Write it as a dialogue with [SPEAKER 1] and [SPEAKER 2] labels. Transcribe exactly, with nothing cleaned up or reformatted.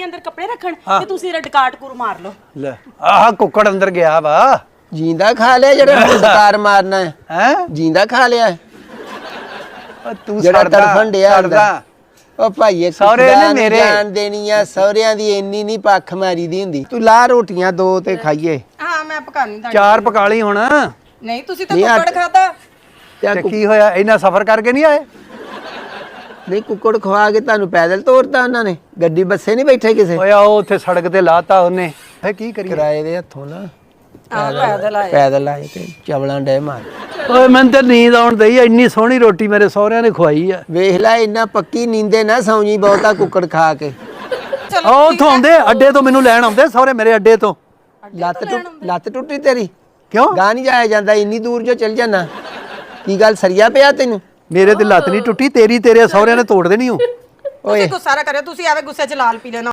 [SPEAKER 1] ਆਪਣੇ ਅੰਦਰ ਕੱਪੜੇ ਰੱਖਣ ਤੇ ਤੁਸੀਂ ਰਡਕਾਟ ਕੁਰ ਮਾਰ ਲਓ।
[SPEAKER 2] ਲੈ ਆਹ ਕੁੱਕੜ ਅੰਦਰ ਗਿਆ ਵਾ।
[SPEAKER 3] ਜਿੰਦਾ ਖਾ ਲਿਆ ਜਿਹੜਾ ਡਕਾਰ ਮਾਰਨਾ ਹੈ
[SPEAKER 2] ਹੈ
[SPEAKER 3] ਜਿੰਦਾ ਖਾ ਲਿਆ
[SPEAKER 2] ਤੂੰ
[SPEAKER 3] ਜਿਹੜਾ
[SPEAKER 2] ਸੜਦਾ
[SPEAKER 3] ਤੜਫਣ ਡਿਆ
[SPEAKER 2] ਸੜਦਾ
[SPEAKER 3] ਉਹ ਭਾਈਏ
[SPEAKER 2] ਸਹੁਰੇ ਨੇ ਮੇਰੇ
[SPEAKER 3] ਜਾਨ ਦੇਣੀ ਆ ਸਹੁਰਿਆਂ ਦੀ ਇੰਨੀ ਨਹੀਂ ਪੱਖ ਮਾਰੀ ਦੀ ਹੁੰਦੀ ਤੂੰ ਲਾ ਰੋਟੀਆਂ ਦੋ ਤੇ ਖਾਈਏ
[SPEAKER 1] ਹਾਂ ਮੈਂ ਪਕਾਣੀ ਤੁਹਾਡੀ
[SPEAKER 2] ਚਾਰ ਪਕਾ ਲਈ ਹੁਣ
[SPEAKER 1] ਨਹੀਂ ਤੁਸੀਂ ਤਾਂ ਕੁੱਕੜ ਖਾਦਾ
[SPEAKER 3] ਤੇ
[SPEAKER 2] ਤੇ ਕੀ ਹੋਇਆ ਇੰਨਾ ਸਫ਼ਰ ਕਰਕੇ ਨਹੀਂ ਆਏ?
[SPEAKER 3] ਨਹੀਂ ਕੁੱਕੜ ਖਵਾ ਕੇ ਤੁਹਾਨੂੰ ਪੈਦਲ ਤੋਰਤਾ ਉਹਨਾਂ ਨੇ ਗੱਡੀ ਬੱਸੇ ਨਹੀਂ ਬੈਠੇ ਕਿਸੇ
[SPEAKER 2] ਓਏ ਉਹ ਉੱਥੇ ਸੜਕ ਤੇ ਲਾਤਾ ਉਹਨੇ ਫੇ ਕੀ ਕਰੀਏ?
[SPEAKER 3] ਕਿਰਾਏ ਦੇ ਹੱਥੋਂ ਨਾ
[SPEAKER 1] ਆ ਪੈਦਲ ਆਏ
[SPEAKER 3] ਪੈਦਲ ਆਏ ਤੇ ਚਵਲਾਂ ਡੇ ਮਾਰ
[SPEAKER 2] ਓਏ ਮੈਨੂੰ ਤੇ ਨੀਂਦ ਆਉਣ ਦਈ ਇੰਨੀ ਸੋਹਣੀ ਰੋਟੀ ਮੇਰੇ ਸਹੁਰਿਆਂ ਨੇ ਖਵਾਈ ਆ।
[SPEAKER 3] ਵੇਖ ਲੈ ਇੰਨਾ ਪੱਕੀ ਨੀਂਦੇ ਨਾ ਸੌਂਜੀ ਬਹੁਤਾ ਕੁੱਕੜ ਖਾ ਕੇ
[SPEAKER 1] ਚਲੋ
[SPEAKER 2] ਉਹ ਉੱਥੋਂ ਆਉਂਦੇ ਅੱਡੇ ਤੋਂ ਮੈਨੂੰ ਲੈਣ ਆਉਂਦੇ ਸਹੁਰੇ ਮੇਰੇ ਅੱਡੇ ਤੋਂ।
[SPEAKER 3] ਲੱਤ ਟੁੱਟ ਲੱਤ ਟੁੱਟੀ ਤੇਰੀ
[SPEAKER 2] ਕਿਉਂ?
[SPEAKER 3] ਗਾਂ ਨਹੀਂ ਜਾਇਆ ਜਾਂਦਾ ਇੰਨੀ ਦੂਰ ਜੋ ਚੱਲ ਜਾਣਾ ਕੀ ਗੱਲ ਸਰੀਆ ਪਿਆ ਤੈਨੂੰ
[SPEAKER 2] ਮੇਰੇ ਤੇ ਲੱਤ ਨਹੀਂ ਟੁੱਟੀ ਤੇਰੀ ਤੇਰੇ ਸਹੁਰਿਆਂ ਨੇ ਤੋੜ ਦੇਣੀ ਉਹ।
[SPEAKER 1] ਤੁਸੀਂ ਗੁੱਸਾ ਨਾ ਕਰਿਓ ਤੁਸੀਂ ਐਵੇਂ ਗੁੱਸੇ 'ਚ ਲਾਲ ਪੀ ਲੈਣਾ